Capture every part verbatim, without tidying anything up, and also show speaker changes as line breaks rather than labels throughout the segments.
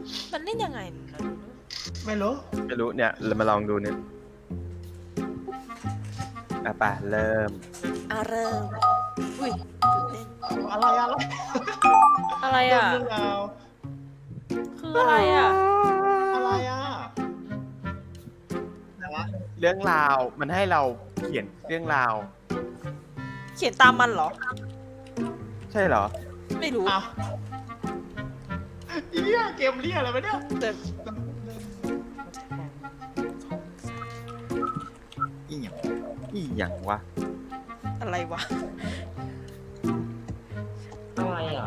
มันเล่นยังไงนะ
ไม่รู้
ไม่รู้เนี่ยเรามาลองดูเนี่ยอ่ะไปเริ่ม
อ่ะเริ่มอุ้ยตื่นเต้น
อะไรอะไร
อะไรอ่ะ
เรื่องราว
คืออะไรอ่ะ
อะไรอ่ะ
เรื่องราวมันให้เราเขียนเรื่องราว
เขียนตามมันเหรอ
ใช่เหรอ
ไม่รู้
อ้าวอีเนี่ยเกมเรียอะไรวะเนี่ย
แต่
อีหยังอีหยังวะ
อะไรวะ
อะไรอ่ะ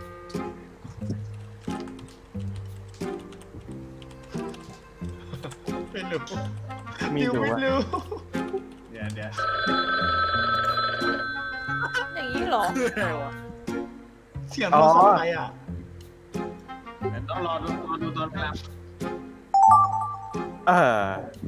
ไม่รู้
ไม่รู้
ไม่
ว่า
รู้เดี๋ยวเดี๋ยว
อย่างนี้เหรอ
เสียงโทรศัพท์อะไรอ่ะ
ต้องรอดูรอดูตอนกลาง
เออ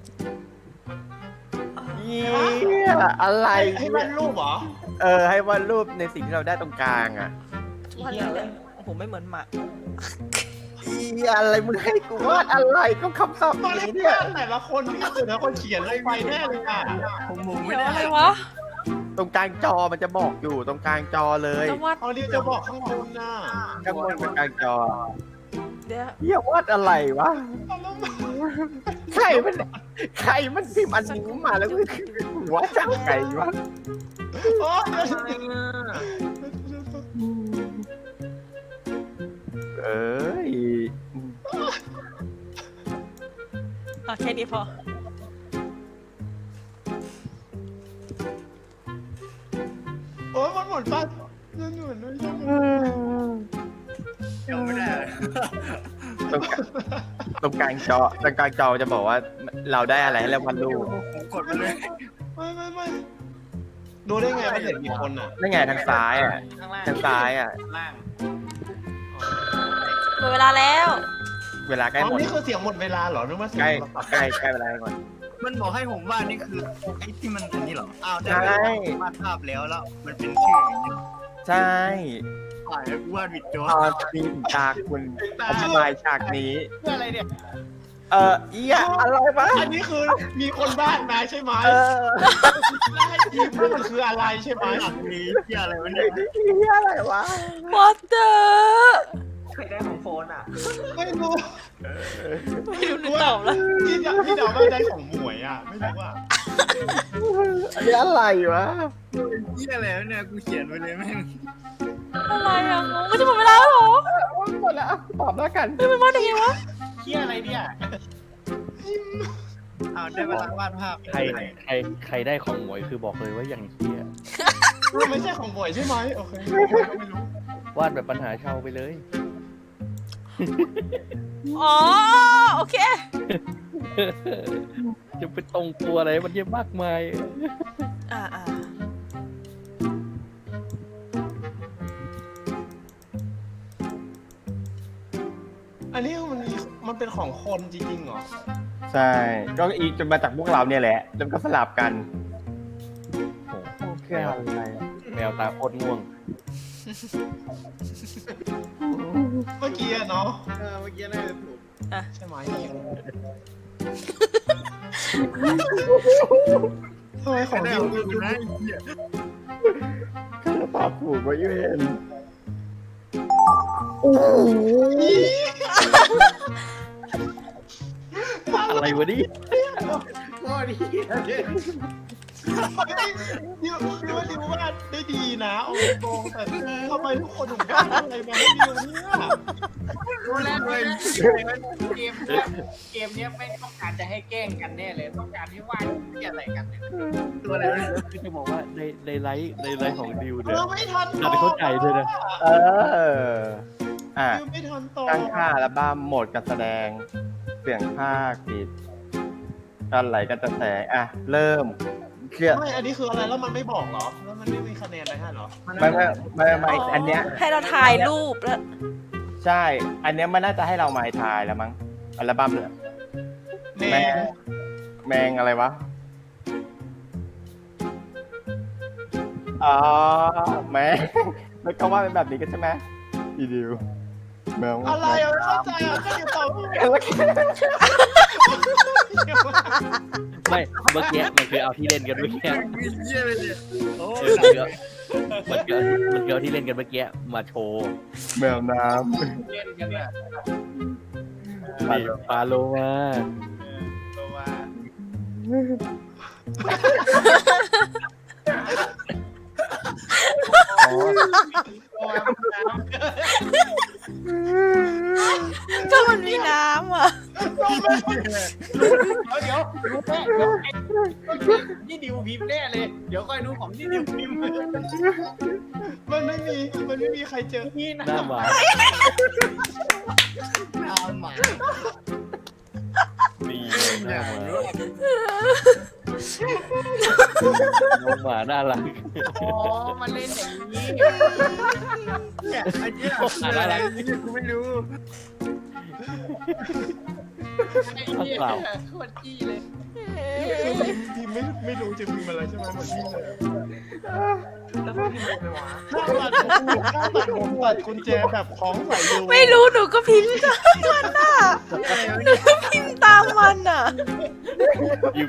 เยี่ยอะไร
ให้วาดรูปเหรอ
เออให้วาดรูปในสิ่งที่เราได้ตรงกลางอ่ะ
วาดอะไรเนี่ยโอ้โหไม่เหมือนหมา
อีอะไรมึงให้กูวาดอะไรก็คำตอบ
ตอนแร
นี้
ก
เนี่ย
แต่ละคนนี่แต่ละคนเขียนลงไปแน่เลยอ่ะ
ผมมองไม่
เดี๋ยว
ได้
อะไรวะ
ตรงกลางจอมันจะบอกอยู่ตรงกลางจอเลย
จะวาด
เอาเรียกจะบอกข้างบนน่ะ
ข้างบนกับกลางจอ
เดี๋ยว
เฮียวาดอะไรวะใครมันใครมันพิมพ์อันนี้มาแล้วมึงหัวจังไงวะ
โอ้ย
อะไรอ่ะ
เอ้ย
อ่ะแค่นี้พอ
โอ้ยมันหมดป่ะนั่นหนุนไม่ใช่มัน
ยังไม่ได้เลย
ตรงกลางตรงกลางจอตรงกลางจอจะบอกว่าเราได้อะไรให้เราวาดรูป
ผมกดไปเลย
ไม่ไม่ไม่ดูได้ไงว่าเห็นมีคนอ่ะ
นั่นไงทางซ้ายอ่ะ
ข้างล่าง
ทางซ้ายอ่ะ
ล่าง
หมดเวลาแล้ว
เวลาใกล้
อ๋อ
หมด
นี่คือเสียงหมดเวลาเหรอนึกว่าเสียง
ใกล้
โทรศัพท์
ใกล้ใกล้เวลาหมด
มันบอกให้ผมวาดนี่คือไอ้ที่มันอันนี้เหรออ้าวได้
ใช่
วาดภาพแล้วแล้วมันเป็นชื่ออย่างนี้
ใช่
ฝ่ายกูวาดวิดโจ
ตอนนี้ฉากคุณอธิบายฉากนี้
เพื่ออะไรเนี่ย
เออเอียอะไรวะ
อันนี้คือมีคนบ้านมาใช่ไหม
เออ
แล้วให้ทีมว่ามันคืออะไรใช่ไหม
หลักนี้เพื่ออะไรวะเนี่ย
เอียอะไรวะ
What the
ใครได้ของโฟนอ่ะ
ไม่รู้
ไม่รู้นึกตอบแล้ว
ที่จะที่เดาไม่ได้ของหมวยอ่ะไม่รู้ว่า
อันนี้อะไรวะ
เพื่ออะไรวะเนี่ยกูเขียนไว้เลยแม่ง
อะไรอ่ะงงไม่จะหมดเวลาแล้วเหรอ
หมดแล้วอ่ะตอบแล้วกัน
ไม่เป็นวาดยังไงวะ
เที่ยอะไรเนี่ย
อ้าวได้เวลาวาดภาพ
ใครใครใครได้ของหมวยคือบอกเลยว่าอย่างเฮีย
ไม่ใช่ของหมวยใช่ไหมโอเคไม่รู้
วาดแบบปัญหาเช่าไปเลย
อ๋อโอเค
จะไปตรงตัวอะไรมันเยอะมากมาย
อ่าอ่า
อันนี้มันมีมันเป็นของคนจริงๆเหรอ
ใช่ ก็อีกจนมาจากพวกเราเนี่ยแหละ แล้วก็สลับกัน
โอ้โห
แค่อะไรอะ
แมวตาโคตรง่วง
เมื่อกี้อะเนาะ
เออเมื่อกี้น่าจะถูก
ใช่ไหมทำไมของ
ได้
ดิ
ข
ว
องกูนะไอ้เหี้ย
ก็จะตอบถูกว่ายูเอ็น
อะไรวะนี่
โคตรเหี้ยเลย
ดิวดิวว่าดิววาดได้ดีนะโอ้โหแต่ทำไมทุกคนถึงวาดอะไรมาให้ดิวเนี่ย
รู้แล้วเลยเกมเนี้ยเกมเนี้ยไม่ต้องการจะให้แกล้งกันแน่เลย ต้องการให้วาดเหี้ยอะไรกันเนี่ยตัวอะไรวะเนี่ย
คือจะบอกว่าในในไลฟ์ในไลฟ์ของดิว
เอ
เนี่ย
อไม่ทัน
เราได้เข้าใจด้วยนะ
เออ อ่ะ
ดิวไม่ทันต่อ
ตั้งค่าอัลบั้มโหมดการแสดง เสียงภาคปิดการไหลการจะแสงอ่ะ เริ่มเครียด
ไม่อันนี้คืออะไรแล้วมันไม่บอกเหรอแล้วมันไม่มีคะแนนอะไรให้เหรอ
ไม่ไม่ไม่ไม่อันเนี้ย
ให้เราถ่ายรูปแล้ว
ใช่ อันเนี้ยมันน่าจะให้เราหมายทายแล้วมั้ง อัลบั้มเนี่ย
แม
แม
ง
ง แมงอะไรวะ อ๋อ แมง แล้วก็ว่าเป็นแบบนี้กันใช่ไหมอีดิวแมว
อะไรอ่ะไม่เข้าใจอ่ะก็อยู่ต่อ
ไม่เมื่อกี้มันคือเอาที่เล่นกันเมื่อกี้
เยี่ยเลยเนี่ยโอ้
เออมันคือมันคือมันคือเอาที่เล่นกันเมื่อกี้มาโชว์
แมวน้
เล่นกันเนี่ย
นี่ปลาโลมา
ตัวว่า
ำอ๋อ
ตัวว่า
ก็มันมีน้ำอ่ะ
เดี๋ยวเดี๋ยวรู้แน่เดี๋ยวไอ้นี่ดิวพิมพ์แน่เลย เดี๋ยวค่อยดูของที่ดิวพิมพ์
มันไม่มีมันไม่มีใครเจอ
นี่นะ
หน้าหมา
น้ำหมา
นี่หน้าหมาน้องหมาน่ารัก
อ๋อมันเล่นอย่างนี้
เนี่ยไอ้เนี่ย
หมาน่ารัก
กูไม่รู้
ไอ้เนี่ยโคตรจี้เลย
คือพิมพ์พิมพ์ไม่ไม่รู้จะพิมพ์อะไรใช่ไหมเหมือนพิมพ์เลยแล้วก็พิมพ์เลยวะถ้าตัดผมถ้าตัดผมตัดกุญแจแบบคล้องใส่รู
ไม่รู้หนูก็พิมพ์ตามมันอ่ะหนูก็พิมพ์ตามมันอ่ะ
อยู่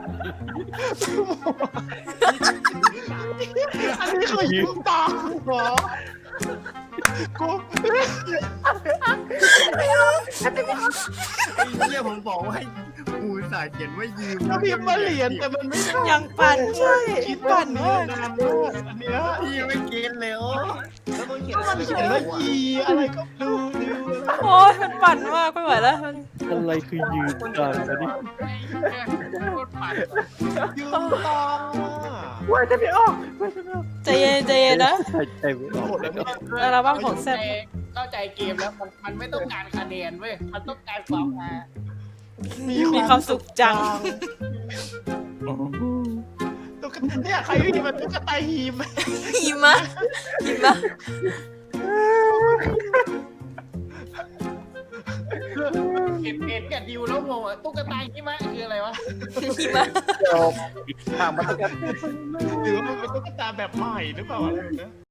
อันนี้คือยิ้มตาเหรอกู
ไอ้เหี้ยผมบอกว่าให้ปูสาเขียนว่ายืม
ก็พิมพ์มาเหรียญแต่มันไม่ได้
ยังปั่นใช่
คิด
ปั่น
เนื้อ
มาก
นานมากอันเนี้ย
พี่ไม่เก็ตเลยโอ้
มันเขียนว่ายีอะไรก็ดูดู
โอ้ยมันปั่นมากไม่ไหวแล้วมัน
อะไรคือยืนกันอันนี้
ไอ้เนี่ยโคตรปั่น
ยืมตังค์อ่ะ
ว่าจะไม่ออก
ใจเย็นใจเย็นนะ
ใช่ใช่ไม่ออก
หมดแล้วเนี่ย
อัลบั้มของแซ่บ
เข้าใจเกมแล้วมันมันไม่ต้องการคะแนนเว้ย มันต้องการความฮา
มีความสุขจัง
ตุ๊กตาเนี่ยใครที่มันตุ๊กตาฮีม
หิมะหิมะ
เห็นเห็นกับดิวแล้วงงอ่ะตุ๊กตาหิมะคืออะไรวะ
หิมะ
จบถามมาตั้งแต่
หรือว่ามันเป็นตุ๊กตาแบบใหม่หรือเปล่าอะไรแบบนี้